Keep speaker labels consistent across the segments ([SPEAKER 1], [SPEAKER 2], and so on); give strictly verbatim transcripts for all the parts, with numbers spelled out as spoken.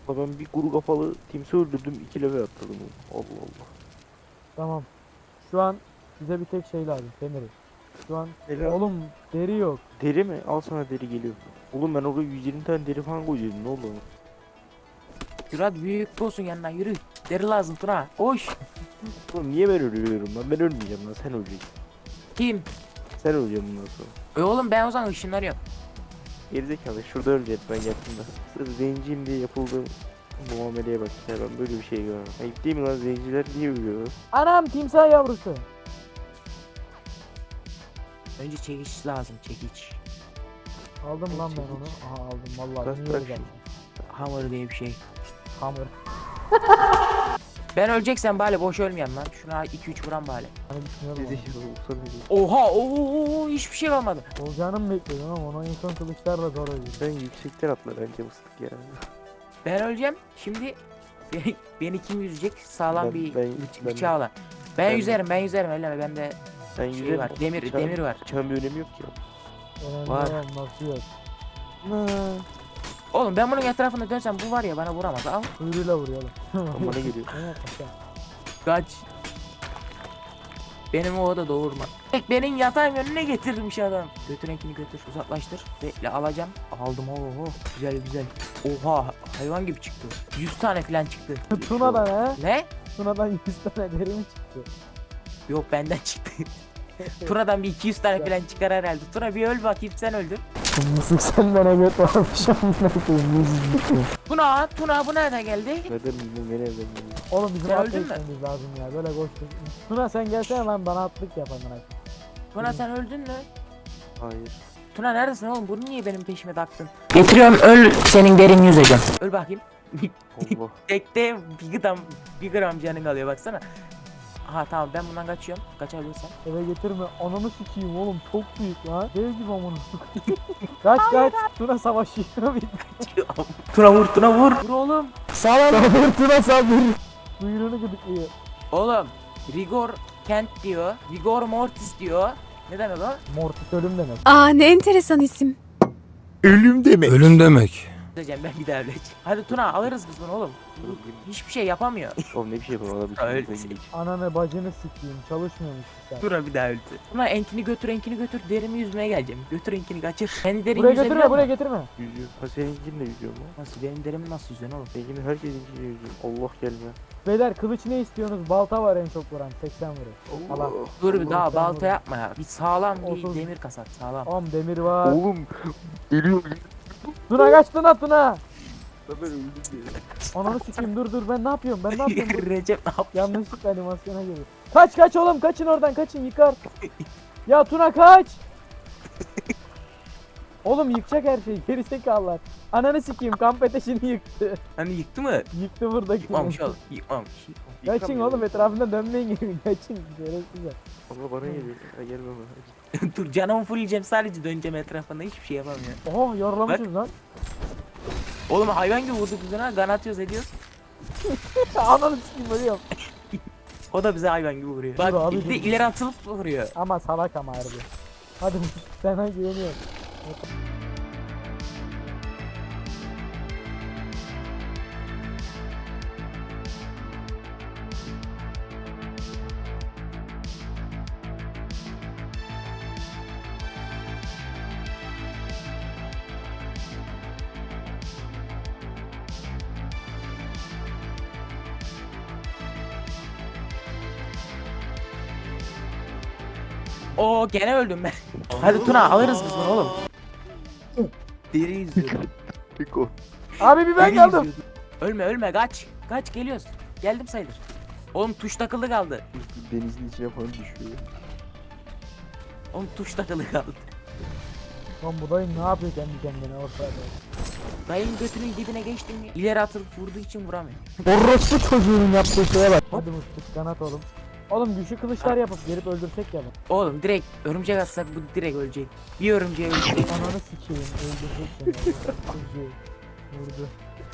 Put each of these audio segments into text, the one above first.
[SPEAKER 1] La ben bir kuru kafalı timsi öldürdüm, iki level atladım. Allah Allah.
[SPEAKER 2] Tamam. Şu an bize bir tek şey lazım. Demiri. Şu an
[SPEAKER 1] Ne lazım?
[SPEAKER 2] oğlum deri yok.
[SPEAKER 1] Deri mi? Al sana deri geliyor. Oğlum ben oraya yüz yirmi tane deri falan koyacaktım, ne oldu ona?
[SPEAKER 3] Yürü hadi büyük olsun yanına yürü. Deri lazım Tuna. Koş.
[SPEAKER 1] Oğlum niye ben ölüyorum lan? Ben ölmeyeceğim lan, sen öleceksin.
[SPEAKER 3] Kim?
[SPEAKER 1] Sen öleceksin bundan sonra.
[SPEAKER 3] E oğlum ben o zaman ışınlanıyorum.
[SPEAKER 1] Gerizekalı, şurada öleceğiz ben yakında. Sırf zenciyim diye yapıldığım muameleye bak ya, ben böyle bir şey görmem. Ayıp değil mi lan, zenciler niye ölüyor?
[SPEAKER 2] Anam timsah yavrusu.
[SPEAKER 3] Önce çekiç lazım çekiç.
[SPEAKER 2] Aldım lan ben onu. Aha aldım vallahi.
[SPEAKER 1] Bırak,
[SPEAKER 2] Niye
[SPEAKER 1] bırak
[SPEAKER 2] güzel.
[SPEAKER 3] Hamur diye bir şey.
[SPEAKER 2] Hamur.
[SPEAKER 3] Ben öleceksem bari boş ölmeyeyim lan. Şuna iki üç vuran bari.
[SPEAKER 2] Hani düşünüyorum onu.
[SPEAKER 1] Gerizekalı olsa ne diyeyim?
[SPEAKER 3] Oha ooo hiçbir şey kalmadı.
[SPEAKER 2] Olacağını mı bekliyordun ama ona insan kılıçlarla zor oluyor.
[SPEAKER 1] Ben yüksekten atla bence mıstık ya.
[SPEAKER 3] Ben öleceğim. Şimdi beni, beni kim yüzecek? Sağlam
[SPEAKER 1] Ben-
[SPEAKER 3] bir
[SPEAKER 1] ben-
[SPEAKER 3] bıç-
[SPEAKER 1] ben-
[SPEAKER 3] bıçağı olan. Ben,
[SPEAKER 1] ben-
[SPEAKER 3] yüzerim ben yüzerim öyle bende
[SPEAKER 1] Ben
[SPEAKER 3] şey
[SPEAKER 1] yüzerim.
[SPEAKER 3] var. Demir
[SPEAKER 1] Bıçağın-
[SPEAKER 3] demir var.
[SPEAKER 1] Bıçağın bir önemi yok ki.
[SPEAKER 2] Önemli
[SPEAKER 3] Var.
[SPEAKER 2] olan nasıl yok.
[SPEAKER 3] Oğlum ben bunun etrafında dönsem bu var ya bana vuramaz. Al
[SPEAKER 2] Kuyruğuyla vuruyor.
[SPEAKER 1] Ama ne geliyor?
[SPEAKER 2] Evet, aşağı.
[SPEAKER 3] kaç. Benim o da doğurma. Bek benim yatağın önüne getirmiş adam. Götür renkini götür uzaklaştır. Bekle alacağım. Aldım oho güzel güzel. Oha hayvan gibi çıktı. yüz tane falan çıktı.
[SPEAKER 2] Tuna'dan he?
[SPEAKER 3] Ne?
[SPEAKER 2] Tuna'dan yüz tane deri mi çıktı?
[SPEAKER 3] Yok benden çıktı. Tuna'dan bir iki yüz tane falan çıkar herhalde. Tuna bir öl bakayım sen öldür.
[SPEAKER 2] Mısık senden evet varmış amına koyayım.
[SPEAKER 3] Tuna Tuna bu nereden geldi?
[SPEAKER 1] Nereden bildin, nereden bildin?
[SPEAKER 2] Oğlum bizim
[SPEAKER 3] Sen
[SPEAKER 2] atla
[SPEAKER 3] öldün mü?
[SPEAKER 2] gitmemiz lazım ya. Böyle koştuk. Tuna sen gelsene lan bana atlık yap amına koyayım.
[SPEAKER 3] Tuna sen öldün mü?
[SPEAKER 1] Hayır.
[SPEAKER 3] Tuna neredesin oğlum? Bunu niye benim peşime taktın? Getiriyorum öl senin derin yüzeceğim. Öl bakayım.
[SPEAKER 1] Allah.
[SPEAKER 3] Tekte bir gram, bir gram canın kalıyor baksana. Aha tamam ben bundan kaçıyorum. Kaçabilirsem.
[SPEAKER 2] Eve getirme. Ananı sikeyim oğlum çok büyük lan. Dev gibi amına koyayım. Kaç kaç. Tuna savaşıyor.
[SPEAKER 3] Tuna vur Tuna vur. Vur oğlum. Sağ ol.
[SPEAKER 2] Sabır Tuna sabır. Kuyruğunu gıdıklıyor.
[SPEAKER 3] Oğlum. Rigor Kent diyor. Rigor Mortis diyor. Ne demek o?
[SPEAKER 2] Mortis ölüm demek.
[SPEAKER 4] Aa ne enteresan isim.
[SPEAKER 5] Ölüm demek. Ölüm demek.
[SPEAKER 3] Diyeceğim ben bir daha öleceğim. Hadi Tuna alırız biz bunu oğlum. Hiçbir şey yapamıyor.
[SPEAKER 1] Oğlum ne bir şey yapalım, adam bir
[SPEAKER 3] Öyle.
[SPEAKER 1] şey yapalım.
[SPEAKER 2] Ananı bacını sikeyim. Çalışmıyormuş sen.
[SPEAKER 3] Tuna bir daha öldü. Tuna enkini götür enkini götür. Derimi yüzmeye geleceğim. Götür enkini kaçır. Kendi derin
[SPEAKER 2] Buraya
[SPEAKER 3] yüzebiliyor
[SPEAKER 2] getirme buraya
[SPEAKER 3] musun?
[SPEAKER 2] getirme.
[SPEAKER 1] Yüzüyor. Ha seninkinle yüzüyor mu?
[SPEAKER 3] Nasıl benim derimi nasıl yüzüyorsun oğlum?
[SPEAKER 1] Seninkinin herkesinkiyle yüzüyor. Allah gelme.
[SPEAKER 2] Beyler kılıç ne istiyorsunuz? Balta var en çok vuran. seksen vuruyor. Allah.
[SPEAKER 3] Dur bir
[SPEAKER 2] Allah
[SPEAKER 3] daha
[SPEAKER 2] sen
[SPEAKER 3] balta
[SPEAKER 2] vurun.
[SPEAKER 3] yapma ya. Bir sağlam bir
[SPEAKER 2] Otuz.
[SPEAKER 3] demir kasat sağlam.
[SPEAKER 2] Am demir var.
[SPEAKER 1] Oğlum geliyor.
[SPEAKER 2] Tuna kaç Tuna Tuna.
[SPEAKER 1] Ben öldüm diye.
[SPEAKER 2] Ananı sikeyim dur dur ben ne yapıyorum ben ne yapıyorum? Dur.
[SPEAKER 3] Recep ne yapıyor?
[SPEAKER 2] Yanlışlıkla animasyona geliyor. Kaç kaç oğlum kaçın oradan kaçın yıkar. Ya Tuna kaç. Oğlum yıkacak her şeyi gerizekalılar. Ananı sikeyim kamp ateşini yıktı.
[SPEAKER 3] Hani yıktı mı?
[SPEAKER 2] Yıktı buradaki.
[SPEAKER 3] Yıkmamış oğlum. Yıkmamış.
[SPEAKER 2] Kaçın oğlum etrafında dönmeyin gibi kaçın. Şerefsizler.
[SPEAKER 1] Ama bana geliyor. Ha gelme bana.
[SPEAKER 3] Dur canımı fulleyeceğim sadece döneceğim etrafında hiçbir şey yapamıyorum.
[SPEAKER 2] Oha yaralamışız lan.
[SPEAKER 3] Oğlum hayvan gibi vurduk biz ona gan atıyoruz ediyoruz.
[SPEAKER 2] Ananı sikeyim ölüyorum.
[SPEAKER 3] O da bize hayvan gibi vuruyor. Bak
[SPEAKER 2] abi,
[SPEAKER 3] bir de
[SPEAKER 2] dur.
[SPEAKER 3] ileri atılıp vuruyor.
[SPEAKER 2] Ama salak ama harbi. Hadi sana güveniyorum.
[SPEAKER 3] Oo gene öldüm ben. Hadi Tuna alırız biz bunu oğlum. Deri yüzüyor.
[SPEAKER 1] Piko.
[SPEAKER 2] Abi bir ben
[SPEAKER 3] Deri
[SPEAKER 2] kaldım.
[SPEAKER 3] yüzüyordu. Ölme ölme kaç. Kaç geliyoruz. Geldim sayılır. Oğlum tuş takılı kaldı.
[SPEAKER 1] Denizin içine falan düşüyor.
[SPEAKER 3] Oğlum tuş takılı kaldı.
[SPEAKER 2] Lan bu dayı ne yapıyor kendi kendine ortada?
[SPEAKER 3] Dayın götünün dibine geçtim mi? İleri atılıp vurduğu için vuramıyor.
[SPEAKER 2] Orospu çocuğunun yaptığı şeye bak. Hadi mıstık kanat oğlum. Oğlum güçlü kılıçlar yapıp gelip öldürsek ya bak.
[SPEAKER 3] Oğlum direkt örümcek atsak bu direkt ölecek. Bir örümceğe ölecek.
[SPEAKER 2] Ananı sikeyim öldürecek seni. Çocuğu. Vurdu.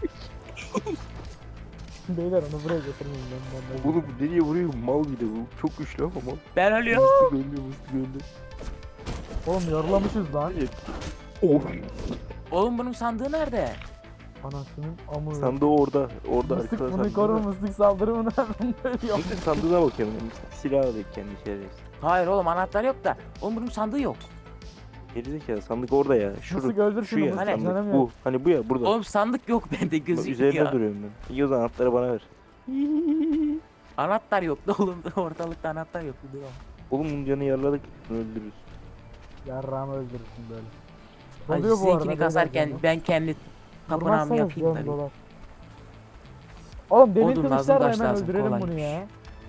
[SPEAKER 2] Beyler onu buraya getirmeyin ben ben.
[SPEAKER 1] Oğlum bu nereye vuruyor? Mal bir de bu. Çok güçlü ama mal.
[SPEAKER 3] Ben ölüyorum.
[SPEAKER 1] Mıstık öldü, mıstık öldü.
[SPEAKER 2] Oğlum yorulamışız lan.
[SPEAKER 1] Of.
[SPEAKER 3] Oğlum bunun sandığı nerede?
[SPEAKER 2] Anasının amı.
[SPEAKER 1] Sandığı orada. Orada
[SPEAKER 2] Mıstık
[SPEAKER 1] arkada
[SPEAKER 2] bunu
[SPEAKER 1] sandığı
[SPEAKER 2] korur,
[SPEAKER 1] var.
[SPEAKER 2] mıstık saldırı bunu hemen ölüyor.
[SPEAKER 1] Mıstık sandığına bakıyorum. Mıstık silah alıyor kendi şerefsiz.
[SPEAKER 3] Hayır oğlum anahtar yok da. Oğlum bunun sandığı yok.
[SPEAKER 1] Gerizekalı sandık orada ya.
[SPEAKER 2] Mıstık
[SPEAKER 1] Şurada.
[SPEAKER 2] öldür
[SPEAKER 1] Şu
[SPEAKER 2] şunu,
[SPEAKER 1] ya
[SPEAKER 2] mıstık
[SPEAKER 3] Hani-
[SPEAKER 2] canım
[SPEAKER 1] sandık.
[SPEAKER 2] yok.
[SPEAKER 1] Bu. Hani bu ya burada.
[SPEAKER 3] Oğlum sandık yok bende
[SPEAKER 1] Bak,
[SPEAKER 3] gözüküyor
[SPEAKER 1] üzerinde
[SPEAKER 3] ya.
[SPEAKER 1] duruyorum ben. İyi o zaman anahtarı bana ver.
[SPEAKER 3] Anahtar yoktu oğlum. Ortalıkta anahtar yoktu. Dur oğlum.
[SPEAKER 1] Oğlum bunun canı yarladık. Bunu öldürürüz.
[SPEAKER 2] Yarrağımı öldürürsün böyle.
[SPEAKER 3] Ay,
[SPEAKER 2] Doluyor bu arada.
[SPEAKER 3] sizinkini
[SPEAKER 2] beyler
[SPEAKER 3] kasarken
[SPEAKER 2] canım.
[SPEAKER 3] ben kendi tapınağımı
[SPEAKER 2] Vurmazsanız
[SPEAKER 3] yapayım
[SPEAKER 2] canım
[SPEAKER 3] tabii.
[SPEAKER 2] dolar. Oğlum demir
[SPEAKER 3] Odun lazım,
[SPEAKER 2] kılıçlarla
[SPEAKER 3] taş
[SPEAKER 2] hemen
[SPEAKER 3] lazım,
[SPEAKER 2] öldürelim bunu
[SPEAKER 3] kolaymış.
[SPEAKER 2] ya.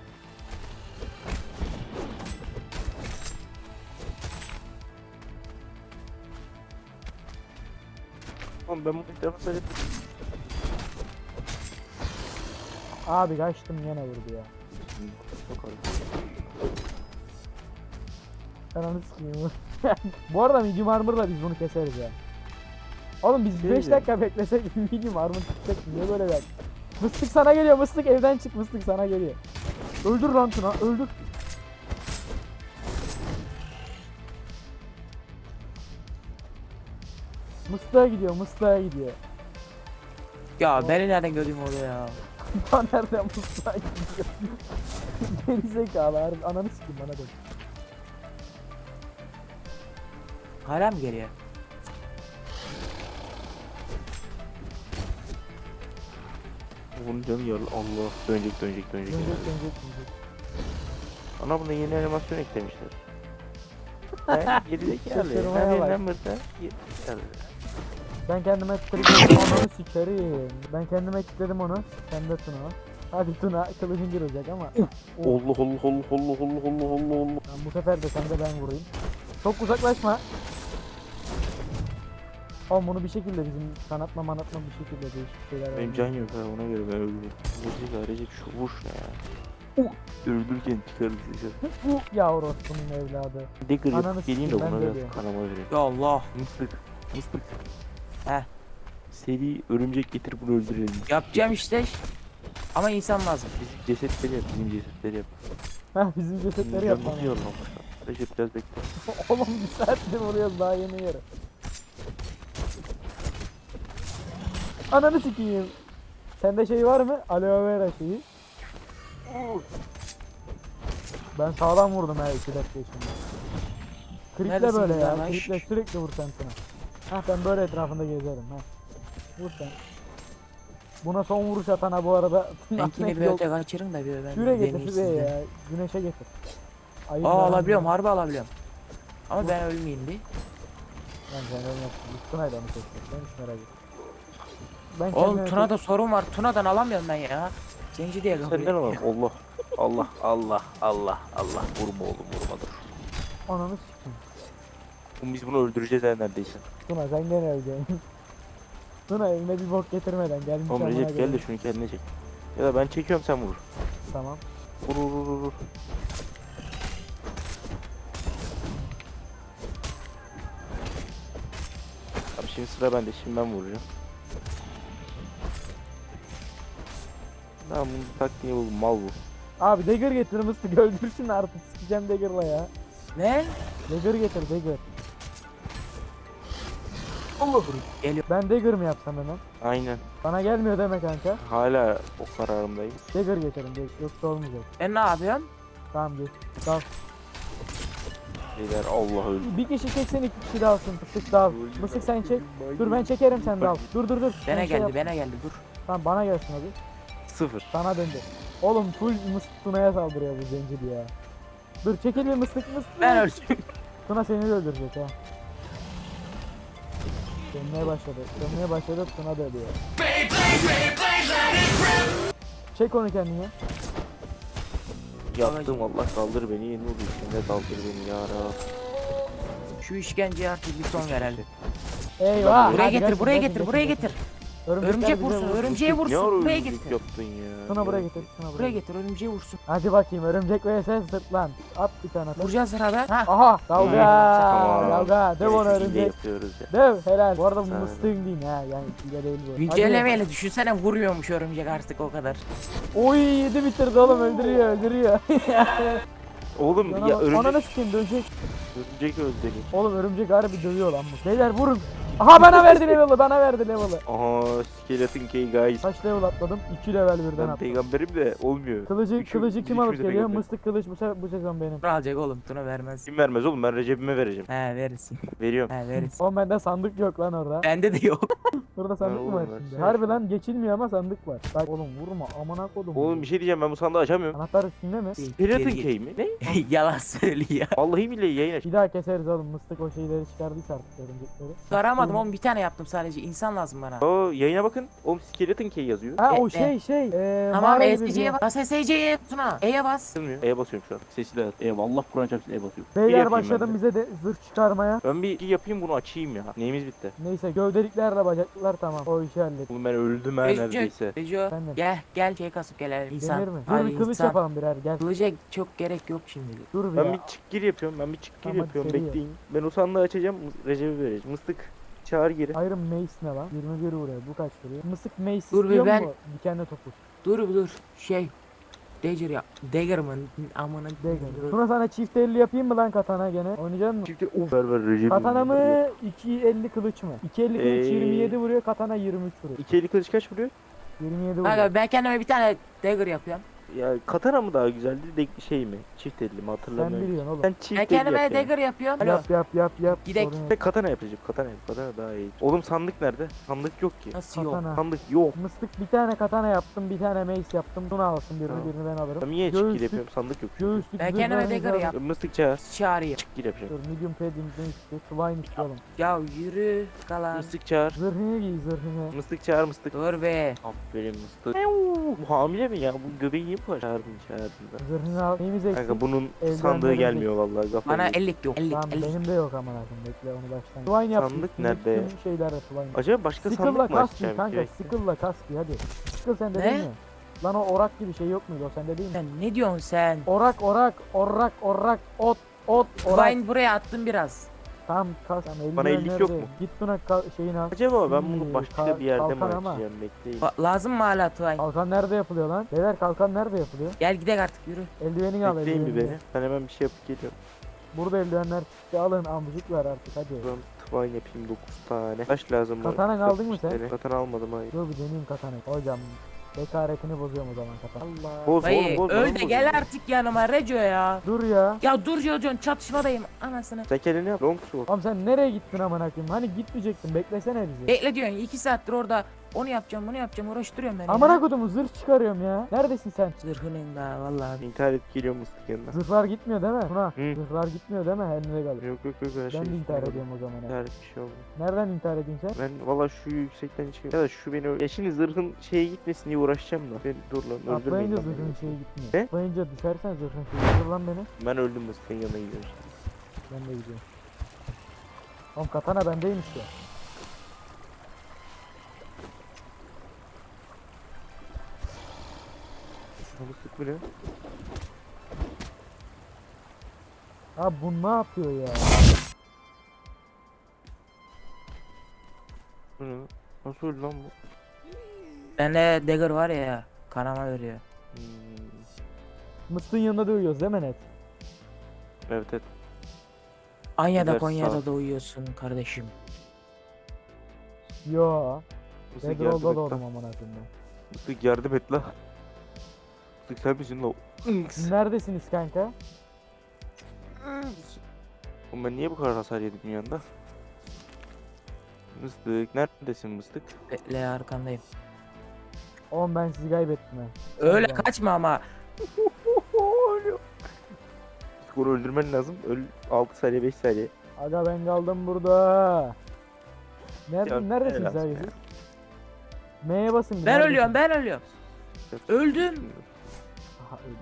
[SPEAKER 1] Oğlum ben bunu ilk defa söyledim.
[SPEAKER 2] Abi kaçtım yine vurdu ya.
[SPEAKER 1] Çok ağır.
[SPEAKER 2] Ben onu sikeyim. Bu arada medium armor'la biz bunu keseriz ya. Oğlum biz
[SPEAKER 1] Şey
[SPEAKER 2] beş
[SPEAKER 1] ya.
[SPEAKER 2] dakika beklesek medium armor çıkacak. Niye böyle der? Mıstık sana geliyor, mıstık evden çık, mıstık sana geliyor. Öldür lan Tuna, öldür. Mıstığa gidiyor, mıstığa gidiyor.
[SPEAKER 3] Ya beni nereden gördün orada ya?
[SPEAKER 2] Lan nereden mıstığa gidiyor? Gerizekalı harbi, ananı sikeyim bana dön.
[SPEAKER 3] Hala mı geliyor?
[SPEAKER 1] Bunun canı yarlı. Allah. Dönecek dönecek dönecek.
[SPEAKER 2] Dönecek, dönecek, dönecek.
[SPEAKER 1] Ana buna yeni animasyon eklemişler. He gerizekalı.
[SPEAKER 2] Şaşırmaya
[SPEAKER 1] Her
[SPEAKER 2] bak.
[SPEAKER 1] yerinden burada. Gerizekalı.
[SPEAKER 2] Ben kendime kilitledim, ananı sikerim. Ben kendime kilitledim onu, sen de Tuna. Hadi Tuna, kılıcın girecek ama.
[SPEAKER 1] Allah Allah Allah Allah Allah Allah Allah Allah.
[SPEAKER 2] Ben bu sefer de sen de ben vurayım. Çok uzaklaşma. Oğlum bunu bir şekilde bizim kanatma manatma bir şekilde değişik şeyler
[SPEAKER 1] Benim
[SPEAKER 2] var.
[SPEAKER 1] can yok ha ona göre ben öldüm. Gerizekalı Recep şu vuş ne ya. Öldürürken çıkarız dışarı.
[SPEAKER 2] Bu yavru bunun evladı.
[SPEAKER 1] Dagger
[SPEAKER 2] Ananı
[SPEAKER 1] yapıp geleyim de
[SPEAKER 2] sikeyim, ben
[SPEAKER 1] buna
[SPEAKER 2] de
[SPEAKER 1] biraz
[SPEAKER 2] diyorum.
[SPEAKER 1] kanama vereyim.
[SPEAKER 3] Ya Allah.
[SPEAKER 1] Mıstık. Mıstık.
[SPEAKER 3] Heh.
[SPEAKER 1] Seri örümcek getir bunu öldürelim.
[SPEAKER 3] Yapacağım işte. Ama insan lazım.
[SPEAKER 1] Bizim cesetleri yap. Bizim cesetleri yap.
[SPEAKER 2] Heh bizim cesetleri yap
[SPEAKER 1] Canımızı
[SPEAKER 2] bana.
[SPEAKER 1] yormamış. Recep biraz bekle.
[SPEAKER 2] Oğlum bir saattir vuruyoruz daha yeni yere. Ananı sikeyim. Sende şey var mı? Aloe vera şeyi. Ben sağlam vurdum her iki dakika içinde. Kriple
[SPEAKER 3] Neredesin
[SPEAKER 2] böyle ya.
[SPEAKER 3] arkadaş?
[SPEAKER 2] Kriple sürekli vur sen Tuna. Hah ben böyle etrafında gezerim ha. Vur sen. Buna son vuruş atana bu arada.
[SPEAKER 3] Benkini bir öte kaçırın da bir ben
[SPEAKER 2] Şuraya
[SPEAKER 3] deneyeyim
[SPEAKER 2] getir şuraya
[SPEAKER 3] sizden.
[SPEAKER 2] ya. Güneşe getir. Ayıp
[SPEAKER 3] Aa
[SPEAKER 2] lan.
[SPEAKER 3] alabiliyorum harbi alabiliyorum. Ama ben ölmeyeyim diye.
[SPEAKER 2] Ben sen ölmezsin. Tuna'yla mı çekecek? Ben hiç merak ettim. Ben
[SPEAKER 3] Oğlum
[SPEAKER 2] kendime
[SPEAKER 3] Tuna'da sorun var. Tuna'dan alamıyorum ben ya. Zenci diye
[SPEAKER 1] Senden
[SPEAKER 3] kapıyor.
[SPEAKER 1] alalım. Allah. Allah Allah Allah Allah. Vurma oğlum vurma dur.
[SPEAKER 2] Ananı sikeyim.
[SPEAKER 1] Oğlum biz bunu öldüreceğiz ha neredeyse.
[SPEAKER 2] Tuna sen gene öleceksin. Tuna evine bir bok getirmeden gelmiş
[SPEAKER 1] Oğlum
[SPEAKER 2] amına
[SPEAKER 1] Recep gel de
[SPEAKER 2] koyayım.
[SPEAKER 1] şunu kendine çek. Ya da ben çekiyorum sen vur.
[SPEAKER 2] Tamam.
[SPEAKER 1] Vur vur vur vur, vur. Abi şimdi sıra bende. Şimdi ben vuracağım. Tamam bunun taktiğini buldum. Mal bu.
[SPEAKER 2] Abi dagger getir mıstık öldürsün artık sikeceğim dagger'la ya.
[SPEAKER 3] Ne?
[SPEAKER 2] Dagger getir dagger.
[SPEAKER 3] Geliyor.
[SPEAKER 2] Ben dagger mı yapsam hemen?
[SPEAKER 1] Aynen.
[SPEAKER 2] Bana gelmiyor deme kanka.
[SPEAKER 1] Hala o kararımdayım.
[SPEAKER 2] Dagger getirin dagger. Yoksa olmayacak.
[SPEAKER 3] Ben ne yapıyorum?
[SPEAKER 2] Tamam geç. Dal.
[SPEAKER 1] Beyler Allah öldü.
[SPEAKER 2] Bir kişi çeksen iki kişi dalsın. Mıstık dal. Mıstık sen çek. Dur ben çekerim sen dal. Dur dur dur. Sen
[SPEAKER 3] Bana
[SPEAKER 2] şey
[SPEAKER 3] geldi
[SPEAKER 2] yap.
[SPEAKER 3] bana geldi dur.
[SPEAKER 2] Tamam bana gelsin hadi.
[SPEAKER 1] Sıfır.
[SPEAKER 2] Sana döndü. Oğlum full mıstık Tuna'ya saldırıyor bu zenci ya. Dur çekil bir mıstık mıstık.
[SPEAKER 3] Ben öldüm.
[SPEAKER 2] Tuna seni de öldürecek ha. Dönmeye başladı. Dönmeye başladı Tuna da ölüyor. Çek onu kendine.
[SPEAKER 1] Yaptım Allah kaldır beni yeni vurdu içinde kaldır beni ya Rab.
[SPEAKER 3] Şu işkenceye artık bir son verelim.
[SPEAKER 2] Eyvah.
[SPEAKER 3] Buraya
[SPEAKER 2] hadi
[SPEAKER 3] getir
[SPEAKER 2] kaçın,
[SPEAKER 3] buraya
[SPEAKER 2] kaçın,
[SPEAKER 3] getir
[SPEAKER 2] kaçın,
[SPEAKER 3] buraya
[SPEAKER 2] kaçın.
[SPEAKER 3] getir.
[SPEAKER 2] Örümcekler
[SPEAKER 3] Örümcek
[SPEAKER 2] bize
[SPEAKER 3] vursun
[SPEAKER 2] vursun.
[SPEAKER 3] örümceği
[SPEAKER 1] Ne
[SPEAKER 3] vursun.
[SPEAKER 1] ara
[SPEAKER 3] Buraya
[SPEAKER 1] örümcek
[SPEAKER 3] getir.
[SPEAKER 1] yaptın ya.
[SPEAKER 2] Tuna buraya
[SPEAKER 1] Ya.
[SPEAKER 2] getir. Tuna buraya
[SPEAKER 3] Buraya
[SPEAKER 2] getir.
[SPEAKER 3] getir örümceği vursun.
[SPEAKER 2] Hadi bakayım örümcek vs sırt lan. At bir tane. at.
[SPEAKER 3] Vuracağız sırada. Ha.
[SPEAKER 2] Aha kavga.
[SPEAKER 1] Tamam.
[SPEAKER 2] Kavga. Döv onu
[SPEAKER 1] Gerekli hile
[SPEAKER 2] örümcek.
[SPEAKER 1] yapıyoruz ya.
[SPEAKER 2] Döv helal. Bu arada bu
[SPEAKER 1] Sağ ol.
[SPEAKER 2] mıstığın değil ha. Yani hile değil bu. Hadi.
[SPEAKER 3] Güncellemeyle düşünsene vuruyormuş örümcek artık o kadar.
[SPEAKER 2] Oy yedi bitirdi oğlum öldürüyor öldürüyor.
[SPEAKER 1] Oğlum ya
[SPEAKER 2] Ona, ona
[SPEAKER 1] örümcek,
[SPEAKER 2] nasıl kim dönecek?
[SPEAKER 1] örümcek öldü beni.
[SPEAKER 2] Oğlum örümcek harbi dövüyor lan bu. Beyler vurun. Aha bana verdi level'ı, bana verdi level'ı.
[SPEAKER 1] Aha Skeleton Key guys.
[SPEAKER 2] Kaç level atladım? iki level birden
[SPEAKER 1] Ben
[SPEAKER 2] atladım.
[SPEAKER 1] peygamberim de olmuyor.
[SPEAKER 2] Kılıcı,
[SPEAKER 1] Üçü-
[SPEAKER 2] kılıcı
[SPEAKER 1] biz
[SPEAKER 2] kim alıp
[SPEAKER 1] üçümüz de
[SPEAKER 2] geliyor?
[SPEAKER 1] peygamber.
[SPEAKER 2] Mıstık kılıç bu, se- bu sezon benim.
[SPEAKER 3] Tuna alacak oğlum. Tuna vermez.
[SPEAKER 1] Kim vermez oğlum, ben Recep'ime vereceğim.
[SPEAKER 3] He verirsin.
[SPEAKER 1] Veriyorum.
[SPEAKER 3] He verirsin.
[SPEAKER 2] Oğlum bende sandık yok lan orada.
[SPEAKER 3] Bende de yok.
[SPEAKER 2] Burada sandık
[SPEAKER 1] Ha,
[SPEAKER 2] mı var
[SPEAKER 1] oğlum,
[SPEAKER 2] şimdi?
[SPEAKER 1] versene
[SPEAKER 2] Harbi
[SPEAKER 1] şunu.
[SPEAKER 2] lan geçilmiyor ama sandık var. Bak oğlum vurma amına kodum.
[SPEAKER 1] Oğlum bir şey diyeceğim, ben bu sandığı açamıyorum.
[SPEAKER 2] Anahtar üstünde mi?
[SPEAKER 1] Skeleton
[SPEAKER 3] Geri git.
[SPEAKER 1] Key mi? Ne?
[SPEAKER 3] Yalan söylüyor.
[SPEAKER 1] Vallahi billahi yayın aç.
[SPEAKER 2] Bir daha keseriz oğlum. Mıstık o şeyleri çıkardıysa artık örümcekleri.
[SPEAKER 3] Aramadım oğlum, bir tane yaptım sadece. İnsan lazım bana.
[SPEAKER 1] Oo yayına bakın. Oğlum Skeleton Key yazıyor.
[SPEAKER 2] Ha o
[SPEAKER 3] E,
[SPEAKER 2] şey şey. Eee
[SPEAKER 3] Tamam
[SPEAKER 2] mağara gibi bir
[SPEAKER 3] S C'ye
[SPEAKER 2] yer.
[SPEAKER 3] bas. Bas S C'ye Tuna. E'ye bas.
[SPEAKER 1] Basılmıyor. E'ye basıyorum şu an. Sesi de E Allah Kur'an çarpsın E basıyorum. Bir
[SPEAKER 2] Beyler
[SPEAKER 1] yapayım
[SPEAKER 2] başladım
[SPEAKER 1] ben de.
[SPEAKER 2] bize de zırh çıkarmaya.
[SPEAKER 1] Ben bir iki yapayım bunu açayım ya. Neyimiz bitti?
[SPEAKER 2] Neyse gövdeliklerle bacaklılar tamam. O işi hallet.
[SPEAKER 1] Oğlum ben öldüm ha
[SPEAKER 3] Reco,
[SPEAKER 1] neredeyse.
[SPEAKER 3] Reco.
[SPEAKER 2] Efendim?
[SPEAKER 3] Gel gel şey kasıp gelelim. İnsan.
[SPEAKER 2] Demir mi? Dur
[SPEAKER 3] Hadi
[SPEAKER 2] bir kılıç
[SPEAKER 3] insan.
[SPEAKER 2] yapalım birer gel.
[SPEAKER 3] Kılıca çok gerek yok şimdilik.
[SPEAKER 2] Dur bir
[SPEAKER 1] Ben
[SPEAKER 2] ya.
[SPEAKER 1] bir çık gir yapıyorum. Ben bir çık gir
[SPEAKER 2] Tamam, hadi
[SPEAKER 1] yapıyorum.
[SPEAKER 2] seri yap.
[SPEAKER 1] Bekleyin. Ben o sandığı açacağım. Recep'e vereceğim. Mıstık çağır geri.
[SPEAKER 2] Iron Mace ne lan? yirmi bir vuruyor. Bu kaç vuruyor? Mısık Mace
[SPEAKER 3] Dur bir
[SPEAKER 2] istiyor
[SPEAKER 3] ben-
[SPEAKER 2] mu? Dikenli topuz.
[SPEAKER 3] Dur bir dur. Şey. Dagger ya. Dagger mı? Amına.
[SPEAKER 2] Degen. Sonra sana çift elli yapayım mı lan katana gene? Oynayacak mısın?
[SPEAKER 1] Çifte of. Ver ver Recep'im.
[SPEAKER 2] Katana mı? iki elli kılıç mı? iki elli kılıç
[SPEAKER 1] Ee,
[SPEAKER 2] yirmi yedi vuruyor. Katana yirmi üç vuruyor.
[SPEAKER 1] İki eli kılıç kaç vuruyor?
[SPEAKER 2] yirmi yedi vuruyor.
[SPEAKER 3] Kanka ben kendime bir tane dagger yapıyorum.
[SPEAKER 1] Ya katana mı daha güzeldi de şey mi? Çift elli mi
[SPEAKER 2] Sen
[SPEAKER 1] hatırlamıyorum.
[SPEAKER 2] biliyorsun oğlum.
[SPEAKER 1] Ben çift
[SPEAKER 3] Ben
[SPEAKER 1] elli
[SPEAKER 3] kendime
[SPEAKER 1] yapıyorum.
[SPEAKER 3] dagger yapıyorum. Alo.
[SPEAKER 2] Yap yap yap yap.
[SPEAKER 3] Gidek.
[SPEAKER 2] Sorun yok.
[SPEAKER 1] Ben katana yapacağım. Katana yap. Katana daha iyi. Oğlum sandık nerede? Sandık yok ki.
[SPEAKER 3] Nasıl yok?
[SPEAKER 2] Katana.
[SPEAKER 1] Sandık yok.
[SPEAKER 2] Mıstık bir tane katana yaptım, bir tane mace yaptım. Bunu alsın birini,
[SPEAKER 1] Tamam.
[SPEAKER 2] birini ben alırım.
[SPEAKER 1] Ben niye çık gir
[SPEAKER 2] Göğüslük-
[SPEAKER 1] yapıyorum? Sandık yok. çünkü.
[SPEAKER 2] Göğüslük
[SPEAKER 3] Ben
[SPEAKER 2] zırh
[SPEAKER 3] kendime
[SPEAKER 2] verinizi
[SPEAKER 3] dagger
[SPEAKER 2] alın.
[SPEAKER 3] yap.
[SPEAKER 1] Mıstık çağır.
[SPEAKER 3] Çağırayım.
[SPEAKER 1] Çık gir yapacağım.
[SPEAKER 2] Dur medium padding ne istiyor? Swine istiyor oğlum.
[SPEAKER 3] Ya yürü kalan.
[SPEAKER 1] Mıstık çağır.
[SPEAKER 2] Zırhını giy zırhını.
[SPEAKER 1] Mıstık çağır mıstık.
[SPEAKER 3] Dur be.
[SPEAKER 1] Aferin mıstık. Bu hamile mi ya? Bu göbeği niye bu kadar? Çağırdım çağırdım da.
[SPEAKER 2] Zırhını al. Neyimiz eksik?
[SPEAKER 1] Kanka bunun
[SPEAKER 2] Eldivenlerimiz
[SPEAKER 1] sandığı
[SPEAKER 2] eksik.
[SPEAKER 1] gelmiyor vallahi. Kafayı
[SPEAKER 3] Bana
[SPEAKER 1] yedim.
[SPEAKER 3] ellik yok. ellik
[SPEAKER 2] Tamam
[SPEAKER 3] ellik.
[SPEAKER 2] benim de yok aman akım. Bekle onu baştan. Swine yap.
[SPEAKER 1] Sandık
[SPEAKER 2] üstüne
[SPEAKER 1] nerede?
[SPEAKER 2] Tüm şeylerle swine.
[SPEAKER 1] Acaba başka
[SPEAKER 2] Sickle'la
[SPEAKER 1] sandık mı
[SPEAKER 2] kaski
[SPEAKER 1] açacağım?
[SPEAKER 2] kanka.
[SPEAKER 1] Gerek-
[SPEAKER 2] Sickle'la kaski hadi. Sickle sende
[SPEAKER 3] Ne?
[SPEAKER 2] değil mi? Lan o orak gibi şey yok muydu? O sende değil mi?
[SPEAKER 3] Sen ne diyorsun sen?
[SPEAKER 2] Orak orak orak orak ot ot orak.
[SPEAKER 3] Vine buraya attım biraz.
[SPEAKER 2] Tam kas. Tamam,
[SPEAKER 1] Bana
[SPEAKER 2] eldiven
[SPEAKER 1] ellik yok
[SPEAKER 2] nerede?
[SPEAKER 1] mu?
[SPEAKER 2] Git buna ka- şeyini al.
[SPEAKER 1] Acaba ben
[SPEAKER 2] Hmm,
[SPEAKER 1] bunu başka
[SPEAKER 2] kal-
[SPEAKER 1] bir yerde mi
[SPEAKER 2] kalkan ama.
[SPEAKER 1] açacağım? Bekleyin.
[SPEAKER 3] Ba- lazım mı hala Twine?
[SPEAKER 2] Kalkan nerede yapılıyor lan? Beyler kalkan nerede yapılıyor?
[SPEAKER 3] Gel gidelim artık yürü.
[SPEAKER 2] Eldivenini al
[SPEAKER 1] Bekleyin bir
[SPEAKER 2] eldivenini.
[SPEAKER 1] beni. Ben hemen bir şey yapıp geliyorum.
[SPEAKER 2] Burada eldivenler çıktı alın amcık ver artık hadi.
[SPEAKER 1] Ben twine yapayım dokuz tane. Kaç lazım bana?
[SPEAKER 2] Katana aldın mı sen?
[SPEAKER 1] Tane. Katana almadım hayır.
[SPEAKER 2] Dur bir deneyeyim katanayı. Hocam bekaretini bozuyorum o zaman katana. Allah.
[SPEAKER 1] Boz
[SPEAKER 3] Dayı
[SPEAKER 1] oğlum boz.
[SPEAKER 3] öl
[SPEAKER 1] bana
[SPEAKER 3] de
[SPEAKER 1] boz
[SPEAKER 3] gel
[SPEAKER 1] ya.
[SPEAKER 3] artık yanıma Reco ya.
[SPEAKER 2] Dur ya.
[SPEAKER 3] Ya dur ya diyorsun çatışmadayım anasını.
[SPEAKER 1] Sen kendini yap. Long sword.
[SPEAKER 2] Oğlum sen nereye gittin amına koyayım? Hani gitmeyecektin beklesene bizi.
[SPEAKER 3] Bekle diyorsun iki saattir orada onu yapacağım bunu yapacağım uğraştırıyorum beni.
[SPEAKER 2] Amına
[SPEAKER 3] ya.
[SPEAKER 2] kodumu zırh çıkarıyorum ya. Neredesin sen?
[SPEAKER 3] Zırhının da vallahi.
[SPEAKER 1] İntihar edip geliyor mıstık yanına.
[SPEAKER 2] Zırhlar gitmiyor değil mi? Tuna.
[SPEAKER 1] Hı.
[SPEAKER 2] Zırhlar gitmiyor değil mi? Eline galiba.
[SPEAKER 1] Yok yok yok her şey.
[SPEAKER 2] Ben de intihar
[SPEAKER 1] üstüne
[SPEAKER 2] ediyorum o zaman. ya.
[SPEAKER 1] İntihar et bir şey olmuyor.
[SPEAKER 2] Nereden intihar edeyim sen?
[SPEAKER 1] Ben valla şu yüksekten çıkıyorum. Ya da şu beni öl- Ya şimdi zırhın şeye gitmesin diye uğraşacağım da. Ben dur lan öldürmeyin
[SPEAKER 2] Atlayınca
[SPEAKER 1] lan
[SPEAKER 2] zırhın
[SPEAKER 1] beni.
[SPEAKER 2] şeyi gitmiyor.
[SPEAKER 1] Ne?
[SPEAKER 2] Atlayınca düşersen zırhın şeyi. Dur lan beni.
[SPEAKER 1] Ben öldüm mıstıkın yanına gidiyorum işte.
[SPEAKER 2] Ben de gidiyorum. Oğlum katana bendeymiş ya.
[SPEAKER 1] Mıstık bu ne?
[SPEAKER 2] Abi bu ne yapıyor ya?
[SPEAKER 1] Bu ne? Nasıl öldü lan bu?
[SPEAKER 3] Bende dagger var ya kanama veriyor.
[SPEAKER 1] Hmm.
[SPEAKER 2] Mıstığın yanında da uyuyoruz değil mi net?
[SPEAKER 1] Evet evet.
[SPEAKER 3] Anya'da
[SPEAKER 1] Güzel,
[SPEAKER 3] Konya'da
[SPEAKER 1] sağ
[SPEAKER 3] da uyuyorsun kardeşim.
[SPEAKER 2] Yo.
[SPEAKER 1] Mıstık
[SPEAKER 2] Bedroll'da
[SPEAKER 1] yardım et
[SPEAKER 2] doğdum
[SPEAKER 1] lan.
[SPEAKER 2] amına koyayım ben.
[SPEAKER 1] Mıstık yardım et lan. Mıstık sen misin lan?
[SPEAKER 2] Siz neredesiniz kanka?
[SPEAKER 1] Oğlum ben niye bu kadar hasar yedim yanında? Mıstık neredesin mıstık?
[SPEAKER 3] Bekle arkandayım.
[SPEAKER 2] Oğlum ben sizi kaybettim ha.
[SPEAKER 3] Öyle
[SPEAKER 2] Tamam.
[SPEAKER 3] kaçma ama.
[SPEAKER 1] Mıstık onu öldürmen lazım. Öl altı saniye beş saniye.
[SPEAKER 2] Aga ben kaldım burada. Nerede,
[SPEAKER 1] Ya,
[SPEAKER 2] neredesiniz
[SPEAKER 1] helal
[SPEAKER 2] abi
[SPEAKER 1] be.
[SPEAKER 2] siz? M'ye basın. bir,
[SPEAKER 3] Ben
[SPEAKER 2] neredesiniz?
[SPEAKER 3] ölüyorum ben ölüyorum. Öldüm.
[SPEAKER 2] Aha öldüm.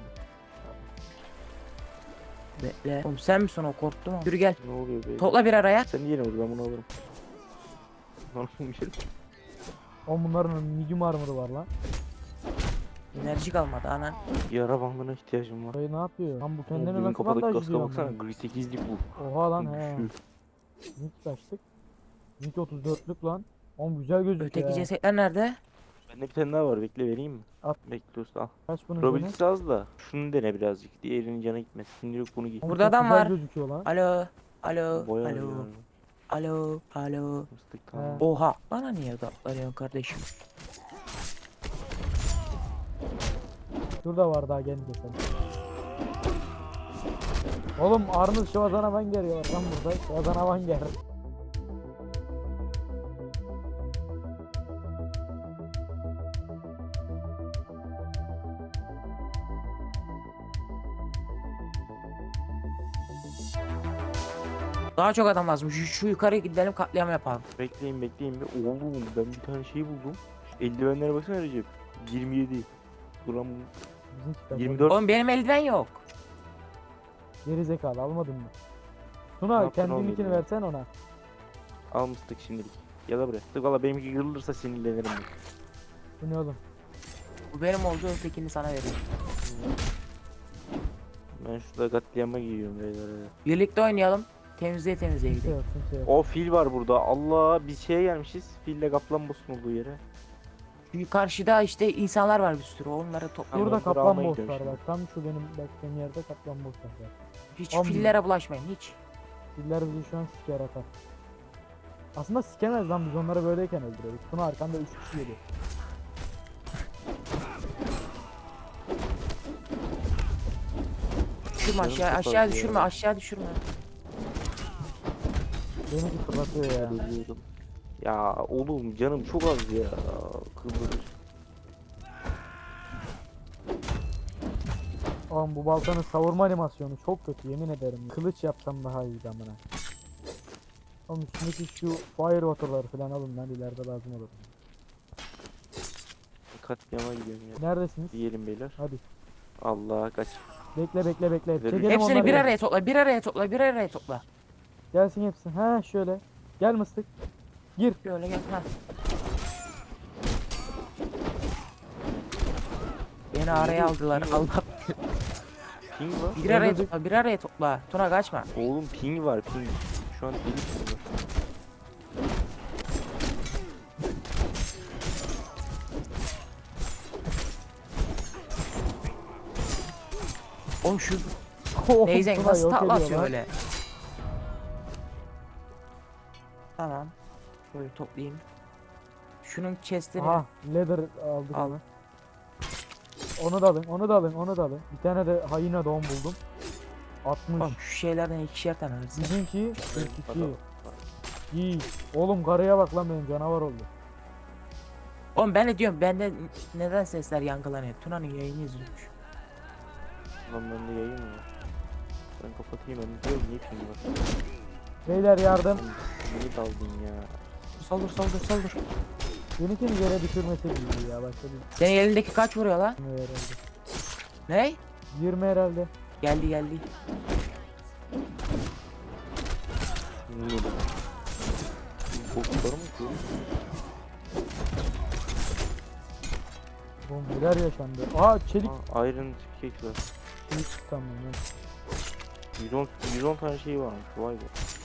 [SPEAKER 3] Bekle. Oğlum sen misin o korktum ama. Yürü gel.
[SPEAKER 1] Ne oluyor be?
[SPEAKER 3] Topla bir araya.
[SPEAKER 1] Sen niye vur ben bunu alırım. Lan bir şey.
[SPEAKER 2] Oğlum bunların medium armor'ı var lan.
[SPEAKER 3] Enerji kalmadı anan.
[SPEAKER 1] Yara bandına ihtiyacım var.
[SPEAKER 2] Dayı ne yapıyor? Lan bu
[SPEAKER 1] Oğlum,
[SPEAKER 2] kendine
[SPEAKER 1] bugün
[SPEAKER 2] nasıl
[SPEAKER 1] kapadık
[SPEAKER 2] bandaj
[SPEAKER 1] kaska
[SPEAKER 2] diyor
[SPEAKER 1] baksana.
[SPEAKER 2] amına?
[SPEAKER 1] Gri sekizlik bu.
[SPEAKER 2] Oha lan he.
[SPEAKER 1] Şu.
[SPEAKER 2] Zinc kaçtık? Zinc otuz dörtlük lan. Oğlum güzel gözüküyor
[SPEAKER 3] Öteki
[SPEAKER 2] ya.
[SPEAKER 3] cesetler nerede?
[SPEAKER 1] Bende bir tane daha var. Bekle vereyim mi?
[SPEAKER 2] At.
[SPEAKER 1] Bekle usta al.
[SPEAKER 2] Kaç bunun canı?
[SPEAKER 1] Probabilitesi az da. Şunu dene birazcık. Diğerinin canı gitmesin. Şimdi yok bunu giy.
[SPEAKER 2] Oğlum
[SPEAKER 3] Burada
[SPEAKER 2] çok
[SPEAKER 3] adam
[SPEAKER 2] güzel
[SPEAKER 3] var.
[SPEAKER 2] gözüküyor lan.
[SPEAKER 3] Alo. Alo.
[SPEAKER 1] Boya
[SPEAKER 3] Alo.
[SPEAKER 1] oynuyorum.
[SPEAKER 3] Alo, alo.
[SPEAKER 1] Mıstık tamam.
[SPEAKER 3] Oha, bana niye odaklanıyorsun kardeşim?
[SPEAKER 2] Şurada var daha genç keselim. Oğlum Arnız Şivazan Avan geliyor lan burada. Şivazan Avan gel.
[SPEAKER 3] Daha çok adam lazım. Şu, şu yukarıya gidelim, katliam yapalım.
[SPEAKER 1] Bekleyin bekleyin bir. Oğlum ben bir tane şey buldum. Eldivenlere baksana Recep. yirmi yedi. Gram
[SPEAKER 2] Bizimkiler.
[SPEAKER 1] yirmi dört.
[SPEAKER 3] Oğlum benim eldiven yok.
[SPEAKER 2] Geri zekalı almadın mı?
[SPEAKER 1] Ne
[SPEAKER 2] Tuna
[SPEAKER 1] yaptın oğlum
[SPEAKER 2] kendininkini
[SPEAKER 1] ya?
[SPEAKER 2] versen ona.
[SPEAKER 1] Al Mıstık şimdilik. Ya da buraya. Mıstık valla benimki kırılırsa sinirlenirim ben.
[SPEAKER 2] Bu ne oğlum?
[SPEAKER 3] Bu benim olduğu ötekini sana veriyorum.
[SPEAKER 1] Ben şurada katliama giyiyorum beyler. hadi.
[SPEAKER 3] Birlikte oynayalım. Temizliğe temizliğe
[SPEAKER 2] Kimse
[SPEAKER 3] gidelim.
[SPEAKER 2] yok kimse yok.
[SPEAKER 1] O fil var burada. Allah biz şeye gelmişiz. Fille kaplan boss'un olduğu yere.
[SPEAKER 3] Şu karşıda işte insanlar var bir sürü. Onları topluyor.
[SPEAKER 1] Tamam.
[SPEAKER 2] Burada
[SPEAKER 1] onları
[SPEAKER 2] kaplan
[SPEAKER 1] almaya
[SPEAKER 2] boss
[SPEAKER 1] gidiyorum
[SPEAKER 2] var
[SPEAKER 1] şimdi.
[SPEAKER 2] bak. Tam şu benim baktığım yerde kaplan boss var.
[SPEAKER 3] Hiç
[SPEAKER 2] Am-
[SPEAKER 3] fillere bulaşmayın hiç.
[SPEAKER 2] Diller bizi şu an siker atar. Aslında sikemez lan biz onları böyleyken öldürüyoruz. Tuna arkanda üç kişi geliyor.
[SPEAKER 3] Düşürme
[SPEAKER 1] Canım
[SPEAKER 3] aşağı,
[SPEAKER 1] çok
[SPEAKER 3] aşağı
[SPEAKER 1] az
[SPEAKER 3] düşürme,
[SPEAKER 1] ya.
[SPEAKER 3] aşağı düşürme.
[SPEAKER 2] Benimki fırlatıyor ya.
[SPEAKER 1] Ölüyorum. Ya oğlum canım çok az ya. Kıvırır.
[SPEAKER 2] Oğlum bu baltanın savurma animasyonu çok kötü yemin ederim. Kılıç yapsam daha iyiydi amına. Oğlum üstündeki şu fire water'ları falan alın lan ileride lazım olur.
[SPEAKER 1] Katliama gidiyorum ya.
[SPEAKER 2] Neredesiniz?
[SPEAKER 1] Diyelim beyler.
[SPEAKER 2] Hadi.
[SPEAKER 1] Allah kaç.
[SPEAKER 2] Bekle bekle bekle.
[SPEAKER 1] Verin.
[SPEAKER 2] Çekelim
[SPEAKER 3] Hepsini
[SPEAKER 2] onları
[SPEAKER 3] bir
[SPEAKER 2] ya.
[SPEAKER 3] araya topla, bir araya topla, bir araya topla.
[SPEAKER 2] Gelsin hepsi. Ha şöyle. Gel mıstık. Gir.
[SPEAKER 3] Şöyle gel. Ha. Beni araya aldılar. Allah.
[SPEAKER 1] Ping var.
[SPEAKER 3] Bir araya
[SPEAKER 2] Öldürdük.
[SPEAKER 3] topla, bir araya topla. Tuna kaçma.
[SPEAKER 1] Oğlum ping var ping. Şu an deli ping var.
[SPEAKER 3] Oğlum şu
[SPEAKER 2] Oh,
[SPEAKER 3] Neyzen
[SPEAKER 2] Tuna
[SPEAKER 3] nasıl
[SPEAKER 2] yok
[SPEAKER 3] takla
[SPEAKER 2] ediyor
[SPEAKER 3] atıyor
[SPEAKER 2] lan.
[SPEAKER 3] öyle. Tamam. Şöyle toplayayım. Şunun chest'ini
[SPEAKER 2] Aha leather aldık.
[SPEAKER 3] al.
[SPEAKER 2] Onu. Onu da alın, onu da alın, onu da alın. Bir tane de hayina don buldum. altmış.
[SPEAKER 3] Oğlum şu şeylerden ikişer tane alırsın.
[SPEAKER 2] Bizimki kırk iki.
[SPEAKER 1] Adam.
[SPEAKER 2] İyi. Oğlum karıya bak lan benim canavar oldu.
[SPEAKER 3] Oğlum ben de diyorum bende neden sesler yankılanıyor? Tuna'nın yayını izliyormuş.
[SPEAKER 1] Lan bende yayın mı var? Ben kapatayım ben diyorum niye ping var?
[SPEAKER 2] Beyler yardım.
[SPEAKER 1] Oğlum, Niye daldın ya?
[SPEAKER 3] Saldır saldır saldır.
[SPEAKER 2] Benimkini yere düşürmesi gibi ya başka bir
[SPEAKER 3] Senin elindeki kaç vuruyor lan?
[SPEAKER 2] şey herhalde.
[SPEAKER 3] Ne?
[SPEAKER 2] yirmi herhalde.
[SPEAKER 3] Geldi geldi.
[SPEAKER 1] Niye bu? Bokları mı koyuyor?
[SPEAKER 2] Oğlum neler yaşandı. Aa çelik.
[SPEAKER 1] Aa, Iron cake var.
[SPEAKER 2] Çelik çıktı ama ya.
[SPEAKER 1] yüz on, yüz on tane şey varmış vay be.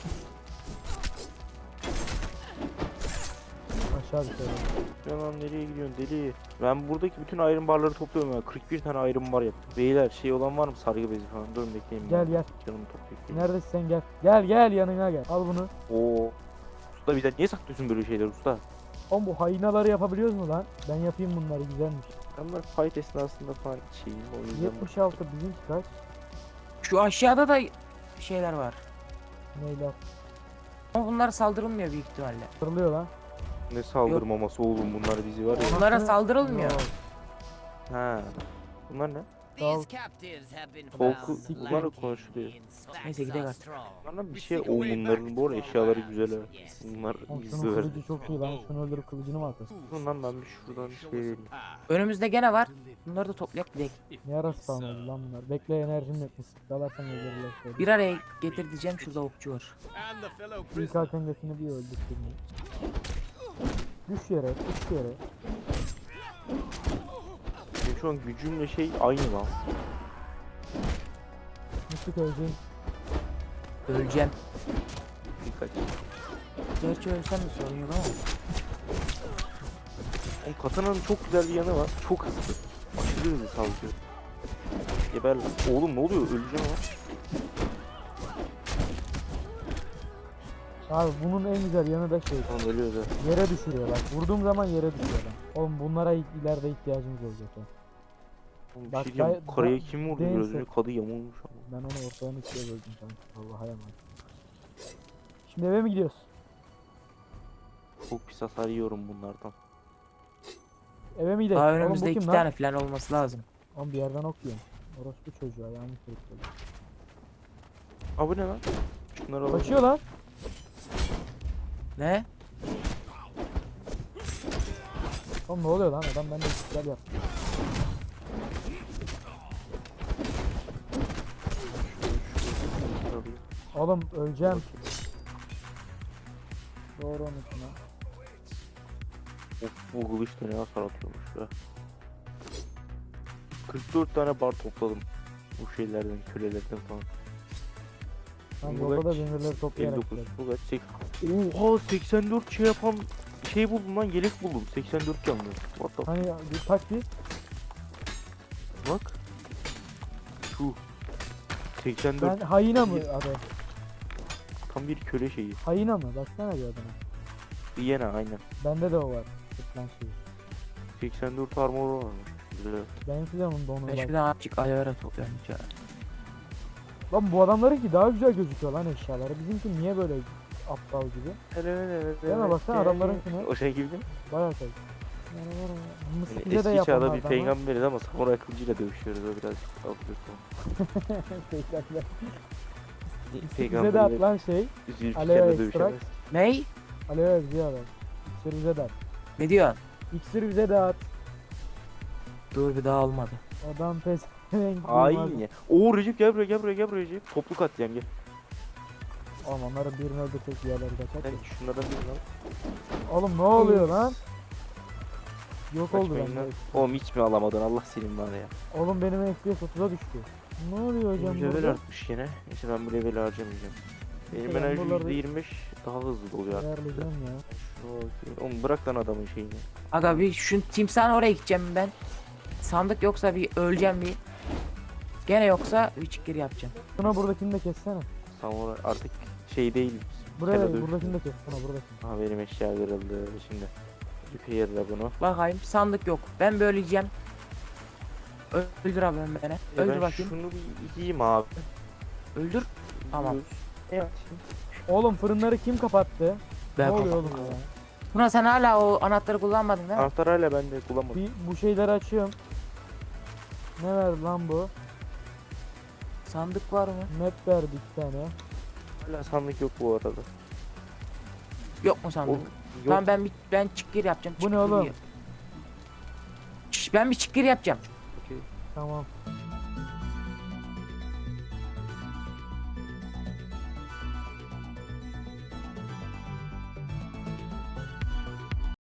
[SPEAKER 2] Aşağı bir şey.
[SPEAKER 1] Ya lan nereye gidiyorsun deli? Ben buradaki bütün iron barları topluyorum ya. kırk bir tane iron bar yaptım. Beyler şey olan var mı sargı bezi falan? Durun bekleyin.
[SPEAKER 2] Gel
[SPEAKER 1] ben.
[SPEAKER 2] gel.
[SPEAKER 1] Canımı toplayayım.
[SPEAKER 2] Neredesin sen gel. Gel gel yanına gel. Al bunu.
[SPEAKER 1] Oo. Usta bizden niye saklıyorsun böyle şeyler usta?
[SPEAKER 2] Oğlum bu hayinaları yapabiliyoruz mu lan? Ben yapayım bunları güzelmiş.
[SPEAKER 1] Ben böyle fight esnasında falan şeyim o yüzden.
[SPEAKER 2] yetmiş altı bizimki kaç?
[SPEAKER 3] Şu aşağıda da şeyler var.
[SPEAKER 2] Neyler?
[SPEAKER 3] Ama bunlara saldırılmıyor büyük ihtimalle.
[SPEAKER 2] Kırılıyor lan.
[SPEAKER 1] Ne saldırmaması oğlum bunlar bizi var ya.
[SPEAKER 3] Bunlara
[SPEAKER 2] Anasını-
[SPEAKER 3] saldırılmıyor.
[SPEAKER 2] Yok.
[SPEAKER 1] Ha. Bunlar ne?
[SPEAKER 2] Sal-
[SPEAKER 1] Korku bunlar konuşuluyor.
[SPEAKER 3] Neyse, gidelim artık.
[SPEAKER 1] Bunlardan bir şey oğlum bunların bu arada eşyaları güzel ha. Bunlar
[SPEAKER 2] Oğlum
[SPEAKER 1] gizli
[SPEAKER 2] şunun
[SPEAKER 1] ver.
[SPEAKER 2] kılıcı çok iyi lan. Şunu öldürüp kılıcını mı atasın?
[SPEAKER 1] Bundan ben bir şuradan şey vereyim.
[SPEAKER 3] Önümüzde gene var. Bunları da toplayıp gidelim.
[SPEAKER 2] Ne ara spawn oldu lan bunlar? Bekle enerjim yok. Mısık dalarsan öldürürler şöyle.
[SPEAKER 3] Bir araya getir diyeceğim, şurada okçu var.
[SPEAKER 2] İlk hakkındakini bir öldük şimdi. Düş yere, düş yere.
[SPEAKER 1] Benim şu an gücümle şey aynı lan.
[SPEAKER 2] Mısık öleceğim.
[SPEAKER 3] Öleceğim.
[SPEAKER 1] Dikkat.
[SPEAKER 3] Gerçi ölsem de sorun yok ama.
[SPEAKER 1] Oğlum katananın çok güzel bir yanı var. Çok hızlı. Aşırı hızlı saldırıyor. Geber lan. Oğlum ne oluyor? Öleceğim ama.
[SPEAKER 2] Abi bunun en güzel yanı da şey.
[SPEAKER 1] Oğlum ölüyor da.
[SPEAKER 2] Yere düşürüyor bak. Vurduğum zaman yere düşüyor lan. Oğlum bunlara ileride ihtiyacımız olacak ya.
[SPEAKER 1] Oğlum bir
[SPEAKER 2] Bak,
[SPEAKER 1] şey diyeceğim.
[SPEAKER 2] gay-
[SPEAKER 1] Karaya
[SPEAKER 2] da-
[SPEAKER 1] kim vurdu
[SPEAKER 2] değilse-
[SPEAKER 1] biraz önce? Kadı yamulmuş ama.
[SPEAKER 2] Ben onu ortadan ikiye böldüm kanka. Allah'a emanet. Şimdi eve mi gidiyoruz?
[SPEAKER 1] Çok pis hasar yiyorum bunlardan.
[SPEAKER 2] Eve mi gidelim?
[SPEAKER 3] Daha
[SPEAKER 2] Oğlum bu
[SPEAKER 3] önümüzde
[SPEAKER 2] kim
[SPEAKER 3] iki
[SPEAKER 2] lan?
[SPEAKER 3] tane falan olması lazım.
[SPEAKER 2] Oğlum bir yerden okuyorum. Orospu çocuğu ayağımı kırıkladı.
[SPEAKER 1] Aa bu ne lan? Şunları alalım.
[SPEAKER 2] Kaçıyor lan.
[SPEAKER 3] Ne?
[SPEAKER 2] Oğlum ne oluyor lan? Adam bende güzel yaptı.
[SPEAKER 1] Şunları alayım.
[SPEAKER 2] Oğlum öleceğim. Doğru unutma.
[SPEAKER 1] Of bu kılıç da ne hasar atıyormuş ya. kırk dört tane bar topladım. Bu şeylerden, kölelerden falan.
[SPEAKER 2] Ben
[SPEAKER 1] Bu
[SPEAKER 2] yolda da
[SPEAKER 1] kaç?
[SPEAKER 2] demirleri toplayarak
[SPEAKER 1] elli dokuz.
[SPEAKER 2] gidelim.
[SPEAKER 1] Bu kaç? Sek- Oha seksen dört şey yapan şey buldum lan, yelek buldum. seksen dört canlı. What the f-
[SPEAKER 2] Hani bir tak bir.
[SPEAKER 1] bak. Şu. seksen dört
[SPEAKER 2] Ben hayina mı adı?
[SPEAKER 1] tam bir köle şeyi.
[SPEAKER 2] Hayina mı? Baksana bir adına.
[SPEAKER 1] Viyana aynen.
[SPEAKER 2] Bende de o var. Sırtlan şeyi.
[SPEAKER 1] seksen dört armor varmış. Güzel.
[SPEAKER 2] Benimki de onun donunu
[SPEAKER 3] Ben
[SPEAKER 2] var.
[SPEAKER 3] şuradan azıcık ayara topluyorum. Ya.
[SPEAKER 2] Lan bu adamlarınki daha güzel gözüküyor lan eşyaları. Bizimki niye böyle aptal gibi? Deme baksana adamlarınkine.
[SPEAKER 1] O şey gibi değil mi?
[SPEAKER 2] Bayağı şey. Yani var ya,
[SPEAKER 1] Yani
[SPEAKER 2] Mısır bize de
[SPEAKER 1] eski çağda bir
[SPEAKER 2] yapanlardan var.
[SPEAKER 1] peygamberiz ama samuray kılıcıyla dövüşüyoruz. O birazcık absürt
[SPEAKER 2] Peygamber.
[SPEAKER 1] oldu.
[SPEAKER 2] Bize de
[SPEAKER 1] Peygamberiyle
[SPEAKER 2] atılan şey
[SPEAKER 1] Zülfikar'la
[SPEAKER 2] Aloe
[SPEAKER 1] dövüşemez.
[SPEAKER 2] extract.
[SPEAKER 3] Ney?
[SPEAKER 2] Aloe bize at. İksir bize de at.
[SPEAKER 3] Ne diyorsun?
[SPEAKER 2] İksir bize de at.
[SPEAKER 3] Dur bir daha olmadı.
[SPEAKER 2] Adam pes.
[SPEAKER 1] Hain ya. Oo Recep gel buraya gel buraya gel buraya Recep. Toplu katliam gel.
[SPEAKER 2] Oğlum onların birini öldürsek diğerleri kaçar.
[SPEAKER 1] Sen şunlardan birini al.
[SPEAKER 2] Oğlum ne oluyor lan? Yok oldu
[SPEAKER 1] Kaçmayın
[SPEAKER 2] bende.
[SPEAKER 1] lan. Oğlum hiç mi alamadın Allah senin var ya.
[SPEAKER 2] Oğlum benim F P S otuza düştü. Ne oluyor hocam
[SPEAKER 1] Level
[SPEAKER 2] burada?
[SPEAKER 1] artmış yine. Neyse ben bu leveli harcamayacağım. Benim
[SPEAKER 2] Ben
[SPEAKER 1] enerji
[SPEAKER 2] buraları-
[SPEAKER 1] yüzde yirmi beş daha hızlı doluyor artık.
[SPEAKER 2] Ayarlayacağım ya.
[SPEAKER 1] Şuna bakayım. Oğlum bırak lan adamın şeyini.
[SPEAKER 3] Aga bir şu timsahın oraya gideceğim ben. Sandık yoksa bir öleceğim bir. Gene yoksa bir çıkır yapacağım.
[SPEAKER 2] Şuna buradakini de kessene.
[SPEAKER 1] Samuray artık şey değil.
[SPEAKER 2] Buraya
[SPEAKER 1] Kere dövüş.
[SPEAKER 2] buradakini de kes. Şuna buradakini.
[SPEAKER 1] Aha benim eşya kırıldı şimdi. Repair'la bunu.
[SPEAKER 3] Bakayım sandık yok. Ben böyle yiyeceğim. Ö- Öldür abi ben beni.
[SPEAKER 1] E
[SPEAKER 3] Öldür
[SPEAKER 1] ben
[SPEAKER 3] bakayım.
[SPEAKER 1] şunu bir yiyeyim abi.
[SPEAKER 3] Öldür. Tamam.
[SPEAKER 1] Evet.
[SPEAKER 2] Oğlum fırınları kim kapattı?
[SPEAKER 3] Ben
[SPEAKER 2] ne oluyor
[SPEAKER 3] kapattım.
[SPEAKER 2] oğlum ya?
[SPEAKER 3] Buna sen hala o anahtarı kullanmadın değil mi?
[SPEAKER 1] Anahtar hala bende kullanmadım.
[SPEAKER 2] Bir bu şeyleri açıyorum. Ne verdi lan bu?
[SPEAKER 3] Sandık var mı?
[SPEAKER 2] Map verdi iki tane.
[SPEAKER 1] Hala sandık yok bu arada.
[SPEAKER 3] Yok mu
[SPEAKER 1] O,
[SPEAKER 3] sandık?
[SPEAKER 1] yok.
[SPEAKER 3] Tamam ben bir ben çıkır yapacağım.
[SPEAKER 2] Bu ne
[SPEAKER 3] çıkır
[SPEAKER 2] oğlum?
[SPEAKER 3] yap- Şş, ben bir çıkır yapacağım.
[SPEAKER 1] Okey.
[SPEAKER 2] Tamam.